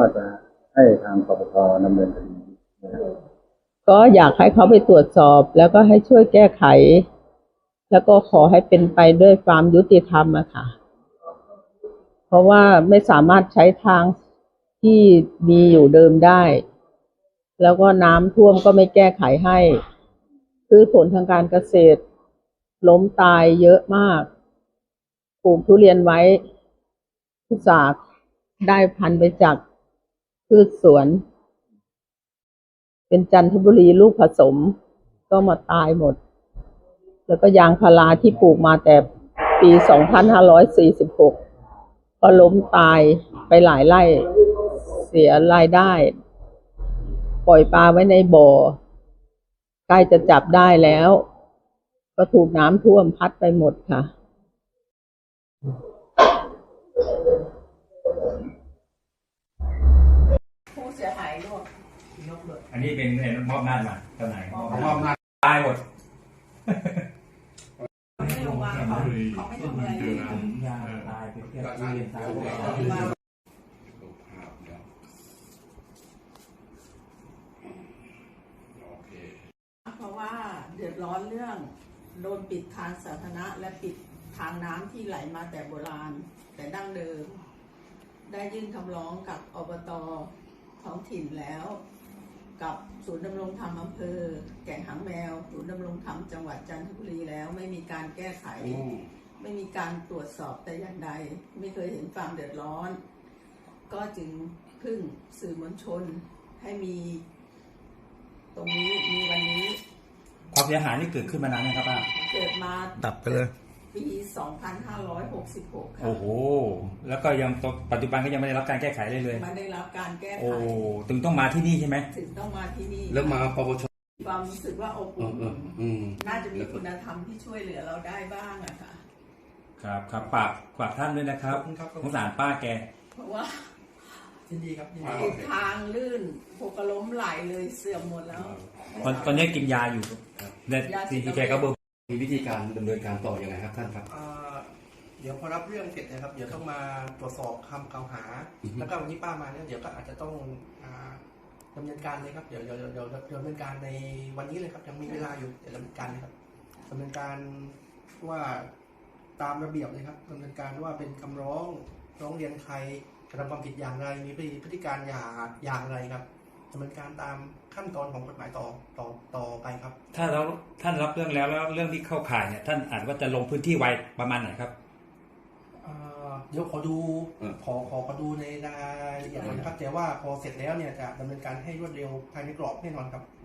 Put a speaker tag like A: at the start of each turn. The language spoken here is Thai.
A: ว่าจะให้ทางปปชดำเนินคดีนะครับ
B: ก็อยากให้เขาไปตรวจสอบแล้วก็ให้ช่วยแก้ไข แล้วก็ขอให้เป็นไปด้วยความยุติธรรมอะค่ะเพราะว่าไม่สามารถใช้ทางที่มีอยู่เดิมได้ แล้วก็น้ำท่วมก็ไม่แก้ไขให้พืชผลทางการเกษตรล้มตายเยอะมากปลูกทุเรียนไว้ทุกสาขได้พันธุ์ไปจากพืชสวนเป็นจันทบุรีลูกผสมก็มาตายหมดแล้วก็ยางพาราที่ปลูกมาแต่ปี2546ก็ล้มตายไปหลายไร่เสียรายได้ปล่อยปลาไว้ในบ่อใกล้จะจับได้แล้วก็ถูกน้ำท่วมพัดไปหมดค่ะผู้เสียหายร่วม
C: อันนี้เป็นมอบหน้ามาเจ้านายมอบหน้าตายหมด
B: ไม่ลงมาเขาไม่ทำอะไรเลย
C: ยาตายไปเที่ยวเรียนตาย
B: เพราะว่าเดือดร้อนเรื่องโดนปิดทางสาธารณะและปิดทางน้ำที่ไหลมาแต่โบราณแต่ดั้งเดิมได้ยื่นคำร้องกับอบต.ท้องถิ่นแล้วกับศูนย์ดำรงธรรมอำเภอแก่งหางแมวศูนย์ดำรงธรรมจังหวัดจันทบุรีแล้วไม่มีการแก้ไขไม่มีการตรวจสอบแต่อย่างใดไม่เคยเห็นความเดือดร้อนก็จึงพึ่งสื่อมวลชนให้มีตรงนี้มีวันนี้
C: ความเสียหายนี่เกิดขึ้นมานานไหมครับป้า
B: เกิดมา
C: ดับไปเลย
B: ปี2566ค่ะ
C: โอ้โหแล้วก็ยังปัจจุบันก็ยังไม่ได้รับการแก้ไขเลย
B: ไม่ได้รับการแก้ไข
C: โอ้ถึงต้องมาที่นี่ใช่ไหม
B: ถึงต้องมาที่นี่
D: แล้วมาปปช
B: ความรู้สึกว่าอบอุ่นน่าจะมีคุณธรรมที่ช่วยเหลือเราได้บ้างอะค่ะ
C: ครับฝากท่านด้วยนะครับสงสารป้าแก
B: เพราะว่า
D: ยินดีครับ
B: ทางลื่นหกล้มไหลเลยเสื่อมหมดแล้ว
C: ตอนนี้กินยาอยู่แต่ที่แกก็เบิก
D: มีวิธีการดำเนินการต่อยังไงครับท่านครับ
E: เดี๋ยวพอรับเรื่องเสร็จนะครับเดี๋ยวต้องมาตรวจสอบคำกล่าวหาแล้วก็วันนี้ป้ามาเนี่ยเดี๋ยวก็อาจจะต้องดำเนินการเลยครับเดี๋ยวดำเนินการในวันนี้เลยครับยังมีเวลาอยู่เดี๋ยวดำเนินการเลยครับดำเนินการว่าตามระเบียบเลยครับดำเนินการว่าเป็นคำร้องเรียนใครกระทำความผิดอย่างไรมีพฤติการอย่างไรครับดำเนินการตามขั้นตอนของกฎหมายต่อไปครับ
C: ถ้าท่านรับเรื่องแล้วเรื่องที่เข้าข่ายเนี่ยท่านอาจว่าจะลงพื้นที่ไวประมาณไหนครับ
E: เดี๋ยวขอดูในรายละเอียดนะครับแต่ว่าพอเสร็จแล้วเนี่ยจะดำเนินการให้รวดเร็วภายในกรอบแน่นอนครับ